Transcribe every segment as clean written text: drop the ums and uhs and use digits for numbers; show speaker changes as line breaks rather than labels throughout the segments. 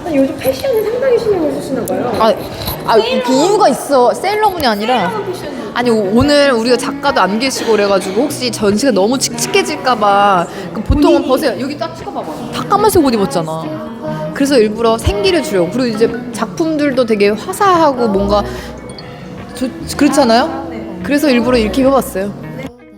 아니, 요즘 패션에 상당히 신경을 쓰시나 봐요.
그 이유가 있어. 세일러문이 아니라. 아니 오늘 우리가 작가도 안 계시고 그래가지고 혹시 전시가 너무 칙칙해질까봐 보통은 벗어요. 여기 딱 찍어봐봐. 다 까만색 옷 입었잖아. 그래서 일부러 생기를 주려고. 그리고 이제 작품들도 되게 화사하고 뭔가 그렇잖아요. 그래서 일부러 이렇게 입어봤어요.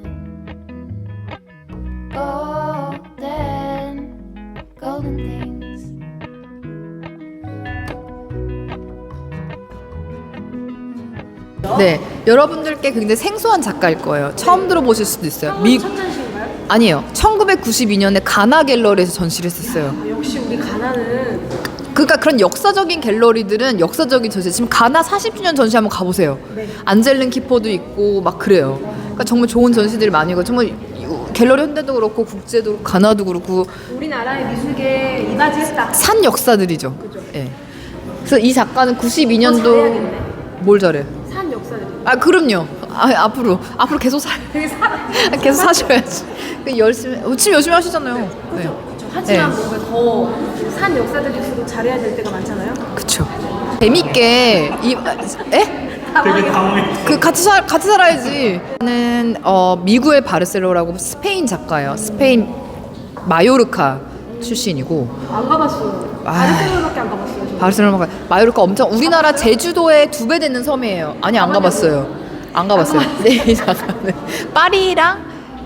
네, 여러분들께 굉장히 생소한 작가일 거예요. 처음 들어보실 수도 있어요.
첫 전시인가요?
아니에요. 1992년에 가나 갤러리에서 전시를 했었어요.
역시 우리 가나는
그러니까 그런 역사적인 갤러리들은 역사적인 전시. 지금 가나 40주년 전시 한번 가보세요.
네.
안젤린 키퍼도 있고 막 그래요. 그러니까 정말 좋은 전시들이 많이 있고 정말 갤러리 현대도 그렇고 국제도 그렇고 가나도 그렇고
우리나라의 미술계에 이바지했다.
산 역사들이죠.
그죠.
예. 그래서 이 작가는 92년도
잘해야겠네.
뭘 잘해?
산 역사들이.
그럼요. 앞으로 계속
되게
계속 사셔야지. 지금 열심히 하시잖아요. 네.
하지만
네.
뭔가 더 산 역사들일수록 잘해야 될 때가 많잖아요.
그쵸. 재밌게
되게 당황해.
같이 살아야지. 저는 미국의 바르셀로나라고 스페인 작가예요. 스페인 마요르카 출신이고.
안 가봤어요. 바르셀로나밖에 안 가봤어요.
바르셀로나 마요르카 엄청 우리나라 제주도의 2배 되는 섬이에요. 아니 안 가봤어요. 안 가봤어요. 네, 이 작가는 파리랑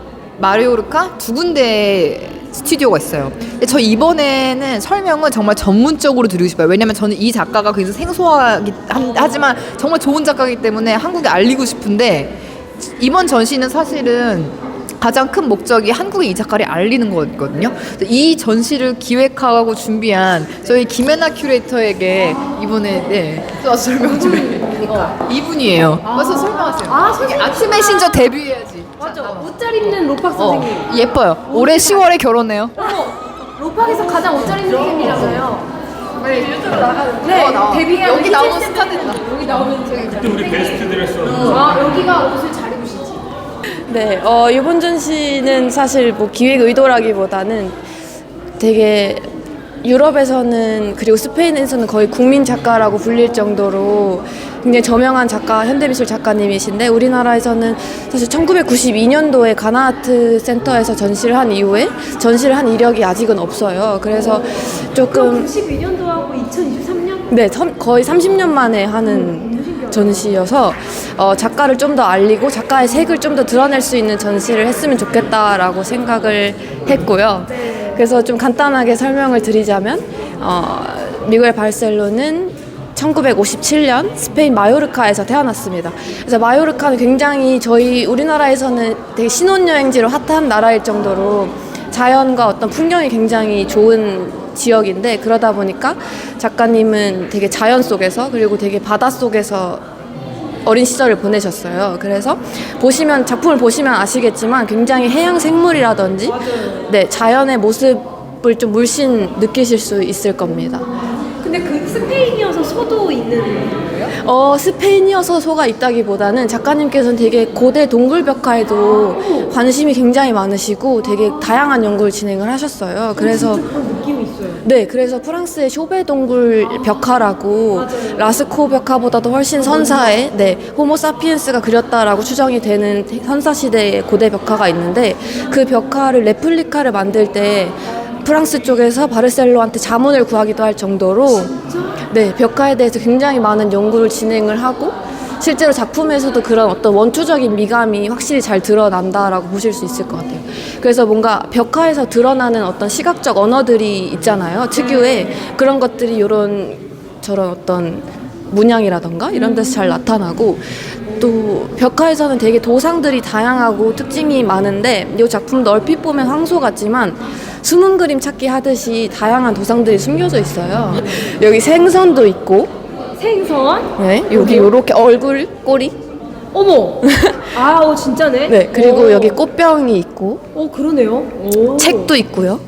마요르카 두 군데 스튜디오가 있어요. 근데 저 이번에는 설명은 정말 전문적으로 드리고 싶어요. 왜냐면 저는 이 작가가 굉장히 생소하기 하지만 정말 좋은 작가이기 때문에 한국에 알리고 싶은데 이번 전시는 사실은 가장 큰 목적이 한국에 이 작가를 알리는 거거든요. 이 전시를 기획하고 준비한 저희 김혜나 큐레이터에게 이번에 또 설명 좀 이분이에요. 와서 설명하세요. 아트 메신저 데뷔해야지.
맞죠. 옷 잘 입는 로팍 선생님.
예뻐요. 올해 10월에 결혼해요.
로팍에서 가장 옷 잘 입는 선생님이라서요.
네, 유튜브 나가는.
네, 데뷔한
여기 나오는 스타들다.
여기 나오는 저기.
그때 우리 베스트 드레스.
여기가 옷을 잘 입으시지.
네, 이번 전시는 사실 뭐 기획 의도라기보다는 되게 유럽에서는 그리고 스페인에서는 거의 국민 작가라고 불릴 정도로 굉장히 저명한 작가, 현대미술 작가님이신데 우리나라에서는 사실 1992년도에 가나아트 센터에서 전시를 한 이후에 전시를 한 이력이 아직은 없어요. 그래서 조금
92년도하고 2023년?
네, 거의 30년 만에 하는 전시여서 작가를 좀 더 알리고 작가의 색을 좀 더 드러낼 수 있는 전시를 했으면 좋겠다라고 생각을 했고요. 그래서 좀 간단하게 설명을 드리자면 미국의 바르셀로는 1957년 스페인 마요르카에서 태어났습니다. 그래서 마요르카는 굉장히 우리나라에서는 되게 신혼여행지로 핫한 나라일 정도로 자연과 어떤 풍경이 굉장히 좋은 지역인데 그러다 보니까 작가님은 되게 자연 속에서 그리고 되게 바다 속에서 어린 시절을 보내셨어요. 그래서 작품을 보시면 아시겠지만 굉장히 해양 생물이라든지 자연의 모습을 좀 물씬 느끼실 수 있을 겁니다.
근데 그 스페인이어서 소도 있는 거예요?
스페인이어서 소가 있다기보다는 작가님께서는 되게 고대 동굴 벽화에도 관심이 굉장히 많으시고 되게 다양한 연구를 진행을 하셨어요. 그래서
그런 느낌이 있어요.
네, 그래서 프랑스의 쇼베 동굴 벽화라고 라스코 벽화보다도 훨씬 선사의 호모사피엔스가 그렸다라고 추정이 되는 선사 시대의 고대 벽화가 있는데 그 벽화를 레플리카를 만들 때 프랑스 쪽에서 바르셀로한테 자문을 구하기도 할 정도로 벽화에 대해서 굉장히 많은 연구를 진행을 하고 실제로 작품에서도 그런 어떤 원초적인 미감이 확실히 잘 드러난다라고 보실 수 있을 것 같아요. 그래서 뭔가 벽화에서 드러나는 어떤 시각적 언어들이 있잖아요. 특유의 그런 것들이 저런 어떤 문양이라던가 이런 데서 잘 나타나고 또 벽화에서는 되게 도상들이 다양하고 특징이 많은데 이 작품도 얼핏 보면 황소 같지만 숨은 그림 찾기 하듯이 다양한 도상들이 숨겨져 있어요. 여기 생선도 있고
생선?
네, 여기 요렇게 얼굴, 꼬리
어머! 진짜네?
네, 그리고 여기 꽃병이 있고
그러네요.
책도 있고요.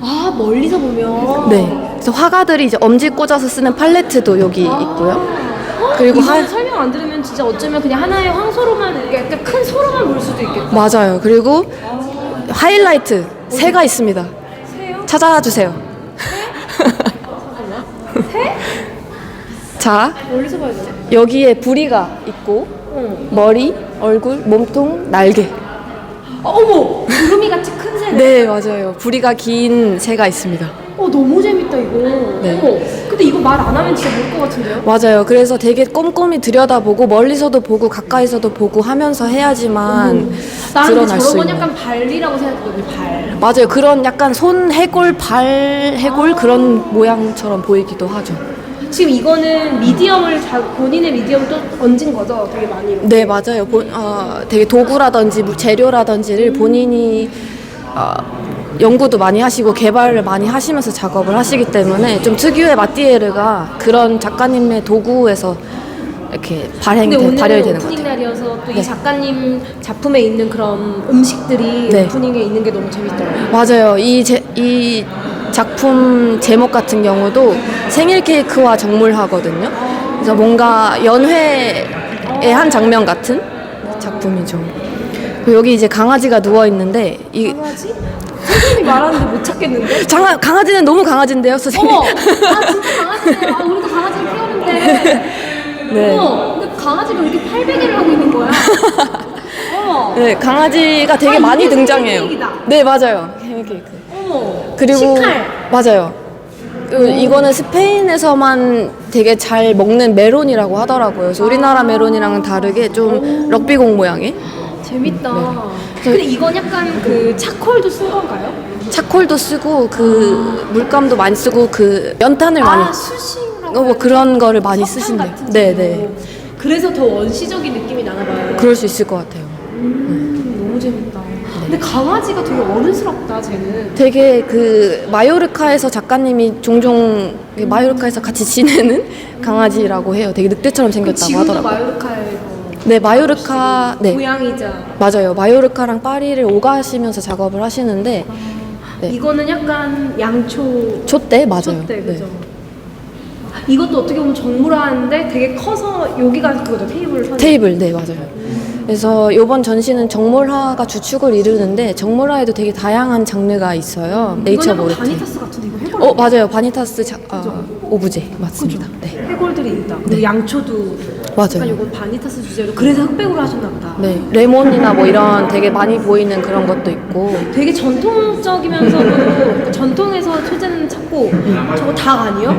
멀리서 보면.
네, 그래서 화가들이 이제 엄지 꽂아서 쓰는 팔레트도 여기 있고요. 그리고
설명 안 들으면 진짜 어쩌면 그냥 하나의 황소로만 약간 큰 소로만 볼 수도 있겠다.
맞아요. 그리고 하이라이트 새가 있습니다.
새요?
찾아주세요. 자,
멀리서 봐야 되네.
여기에 부리가 있고 머리, 얼굴, 몸통, 날개.
어머! 구름이 같이 큰 새네.
네, 맞아요. 부리가 긴 새가 있습니다.
너무 재밌다 이거.
네.
어머. 근데 이거 말 안 하면 진짜 모를 것 같은데요?
맞아요. 그래서 되게 꼼꼼히 들여다보고 멀리서도 보고 가까이서도 보고 하면서 해야지만
나는 근데
드러날 수
저런 건
있는.
약간 발리라고 생각했거든요. 발.
맞아요. 그런 약간 손 해골, 발 해골 그런 모양처럼 보이기도 하죠.
지금 이거는 미디엄을 본인의 미디엄을 또 얹은 거죠? 되게 많이. 이렇게.
네, 맞아요. 되게 도구라든지 재료라든지를 본인이 연구도 많이 하시고 개발을 많이 하시면서 작업을 하시기 때문에 좀 특유의 마띠에르가 그런 작가님의 도구에서 이렇게
근데 오늘은
발현이 되는 것
오프닝
같아요.
날이어서 또 이
네.
작가님 작품에 있는 그런 음식들이
네.
오프닝에 있는 게 너무 재밌더라고요.
맞아요. 이 작품 제목 같은 경우도 생일 케이크와 정물하거든요. 그래서 뭔가 연회의 한 장면 같은 작품이죠. 그리고 여기 이제 강아지가 누워 있는데 이
강아지? 선생님이 말하는데 못 찾겠는데?
강아지는 너무 강아지인데요, 선생님.
어머! 진짜 강아지네요. 우리도 강아지를 키우는데.
네.
어머! 근데 강아지가 왜 이렇게 팔베개를 하고 있는 거야? 어머!
네, 강아지가 되게
아,
많이
이게
등장해요.
생일케이크다.
네, 맞아요. 생일 케이크.
어머!
그리고
시칼!
맞아요. 이거는 스페인에서만 되게 잘 먹는 메론이라고 하더라고요. 그래서 우리나라 메론이랑은 다르게 좀 럭비공 모양의
재밌다.
네.
근데 이건 약간 그 차콜도 쓴 건가요?
차콜도 쓰고 그 물감도 많이 쓰고 그 연탄을 많이
수식이라고
뭐 그런 거를 많이
석탄
쓰신대요.
같은
네,
식으로.
네.
그래서 더 원시적인 느낌이 나나 봐요.
그럴 수 있을 것 같아요.
너무 재밌다. 근데 강아지가 되게 어른스럽다, 쟤는.
되게 그 마요르카에서 작가님이 종종 마요르카에서 같이 지내는 강아지라고 해요. 되게 늑대처럼 생겼다고
지금도
하더라고요.
마요르카에서
네, 마요르카 네.
고양이자.
맞아요. 마요르카랑 파리를 오가시면서 작업을 하시는데 네.
이거는 약간 양초
촛대 맞아요.
촛대, 그죠?
네.
이것도 어떻게 보면 정물화인데 되게 커서 여기가 그거죠, 테이블 선.
테이블 네 맞아요. 그래서 이번 전시는 정몰화가 주축을 이루는데 정몰화에도 되게 다양한 장르가 있어요. 네이처
이건 약간
모레티.
바니타스 같은데 이거 해골.
맞아요. 바니타스 오브제 맞습니다. 네.
해골들이 있다. 그리고 양초도
맞아요.
약간 이건 바니타스 주제로 그래서 흑백으로 하셨나 보다.
네, 레몬이나 뭐 이런 되게 많이 보이는 그런 것도 있고.
되게 전통적이면서도 전통에서 소재는 찾고 저거 닭 아니요?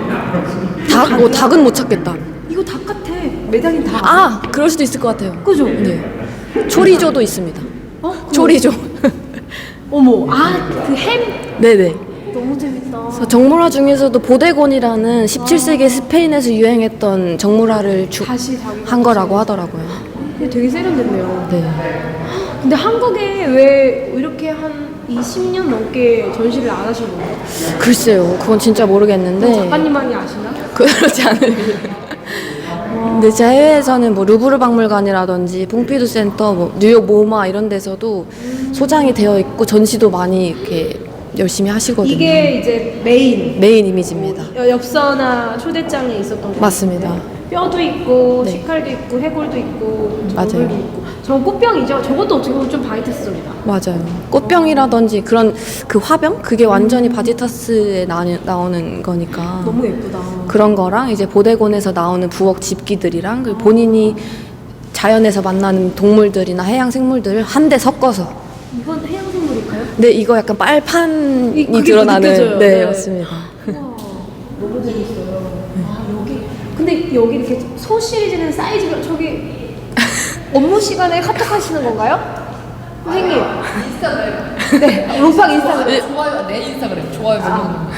닭은 못 찾겠다.
이거 닭 같아. 매달린 닭.
아, 그럴 수도 있을 것 같아요.
그죠?
네. 초리조도 있습니다.
그거.
초리조.
어머, 그 햄.
네네.
너무 재밌다.
그래서 정물화 중에서도 보데곤이라는 17세기 스페인에서 유행했던 정물화를
다시 자기가
한 거라고 하더라고요.
근데 되게 세련됐네요.
네.
근데 한국에 왜 이렇게 한 20년 넘게 전시를 안 하신 거예요?
글쎄요, 그건 진짜 모르겠는데.
작가님만이 아시나?
그렇지 않으면. 근데 제 해외에서는 뭐 루브르 박물관이라든지 퐁피두 센터, 뭐 뉴욕 모마 이런 데서도 소장이 되어 있고 전시도 많이 이렇게 열심히 하시거든요.
이게 이제 메인
이미지입니다.
엽서나 초대장에 있었던 거.
맞습니다.
뼈도 있고
네.
식칼도 있고 해골도 있고
맞아요.
정글도 있고. 저건 꽃병이죠. 저것도 어떻게 보면 좀 바이트스적이다.
맞아요. 꽃병이라든지 그런 그 화병? 그게 완전히 바지타스에 나오는 거니까.
너무 예쁘다.
그런 거랑 이제 보데곤에서 나오는 부엌 집기들이랑 그리고 본인이 자연에서 만나는 동물들이나 해양 생물들을 한데 섞어서.
이건 해양생물일까요?
네, 이거 약간 빨판이
그게
드러나는.
느껴져요.
네,
네.
맞습니다.
우와, 너무 재밌어요. 여기 근데 여기 이렇게 소 시리즈는 사이즈가 저기 업무 시간에 카톡 하시는 건가요? 선생님. 인스타그램. 네, 롬팡 인스타그램.
좋아요. 내 인스타그램 좋아요.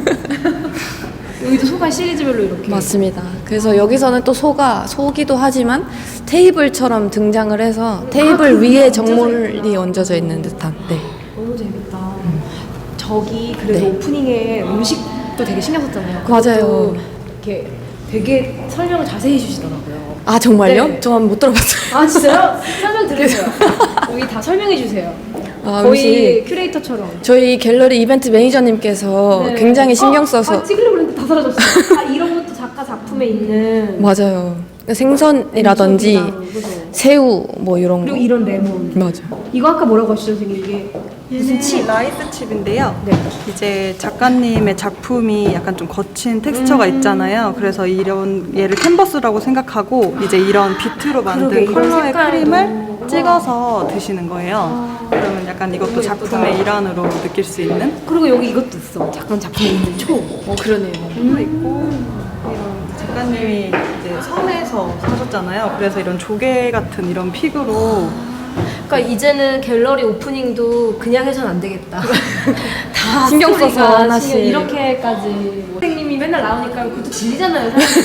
여기도 소가 시리즈별로 이렇게.
맞습니다. 그래서 여기서는 또 소기도 하지만 테이블처럼 등장을 해서 테이블
그
위에
얹어져
정물이
있구나.
얹어져 있는 듯한. 네.
너무 재밌다. 저기 그래도
네.
오프닝에 음식도 되게 신경 썼잖아요.
맞아요.
그것도 이렇게 되게 설명을 자세히 해주시더라고요.
아 정말요?
네.
저는 못 들어봤어요.
아 진짜요? 설명 들으세요. 여기 다 설명해 주세요.
아,
거의
음식.
큐레이터처럼.
저희 갤러리 이벤트 매니저님께서
네.
굉장히 신경 써서
찍으려고 했는데 다 사라졌어요. 이런 것도 작가 작품에 있는.
맞아요. 생선이라든지
그죠?
새우 뭐 이런
그리고
거.
이런 레몬.
맞아.
이거 아까 뭐라고 하시죠, 선생님? 이게 무슨 칩?
라이스 칩인데요.
네.
이제 작가님의 작품이 약간 좀 거친 텍스처가 있잖아요. 그래서 이런 얘를 캔버스라고 생각하고 이제 이런 비트로 만든
그러게, 이런
컬러의
색깔도.
크림을 찍어서 드시는 거예요. 그러면 약간 이것도
너무
작품의 일환으로 느낄 수 있는
그리고 여기 이것도 있어. 잠깐 작품에 있는 초.
그러네요.
도 있고 이런 작가님이 이제 섬에서 사셨잖아요. 그래서 이런 조개 같은 이런 픽으로
그러니까 이제는 갤러리 오프닝도 그냥 해서는 안 되겠다. 다
신경 써서
스토리가
하나씩.
이렇게까지. 뭐. 선생님이 맨날 나오니까 그것도 질리잖아요. 사람들이.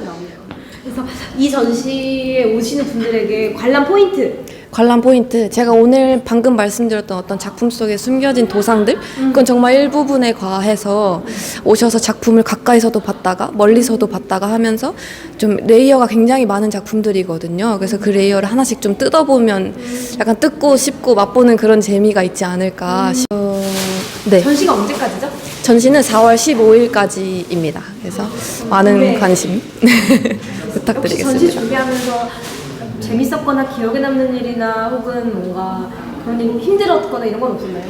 그래서 이 전시에 오시는 분들에게 관람 포인트.
관람 포인트. 제가 오늘 방금 말씀드렸던 어떤 작품 속에 숨겨진 도상들, 그건 정말 일부분에 과해서 오셔서 작품을 가까이서도 봤다가 멀리서도 봤다가 하면서 좀 레이어가 굉장히 많은 작품들이거든요. 그래서 그 레이어를 하나씩 좀 뜯어보면 약간 뜯고 씹고 맛보는 그런 재미가 있지 않을까 싶어요. 네.
전시가 언제까지죠?
전시는 4월 15일까지입니다. 그래서 많은
네.
관심
역시
부탁드리겠습니다.
전시 준비하면서 재밌었거나 기억에 남는 일이나 혹은 뭔가 그런 일 힘들었거나 이런 건 없었나요?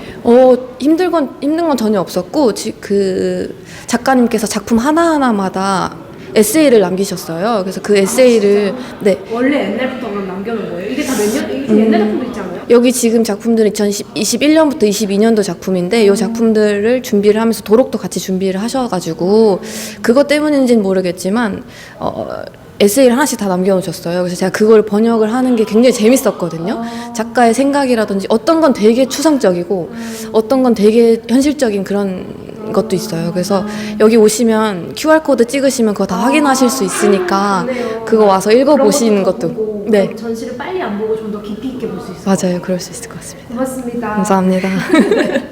힘든 건 전혀 없었고, 그 작가님께서 작품 하나하나마다 에세이를 남기셨어요. 그래서 그 에세이를, 네.
원래 옛날부터 그럼 남겨놓은 거예요? 이게 다 몇 년? 이게 좀 옛날 작품도 있지 않아요?
여기 지금 작품들은 2021년부터 22년도 작품인데, 이 작품들을 준비를 하면서 도록도 같이 준비를 하셔가지고, 그것 때문인지는 모르겠지만, 에세이를 하나씩 다 남겨놓으셨어요. 그래서 제가 그걸 번역을 하는 게 굉장히 재밌었거든요. 작가의 생각이라든지 어떤 건 되게 추상적이고 어떤 건 되게 현실적인 그런 것도 있어요. 그래서 여기 오시면 QR코드 찍으시면 그거 다 확인하실 수 있으니까 그거 와서 읽어보시는
그런
것도.
보고
네,
전시를 빨리 안 보고 좀 더 깊이 있게 볼 수 있어요.
맞아요. 그럴 수 있을 것 같습니다.
고맙습니다.
감사합니다.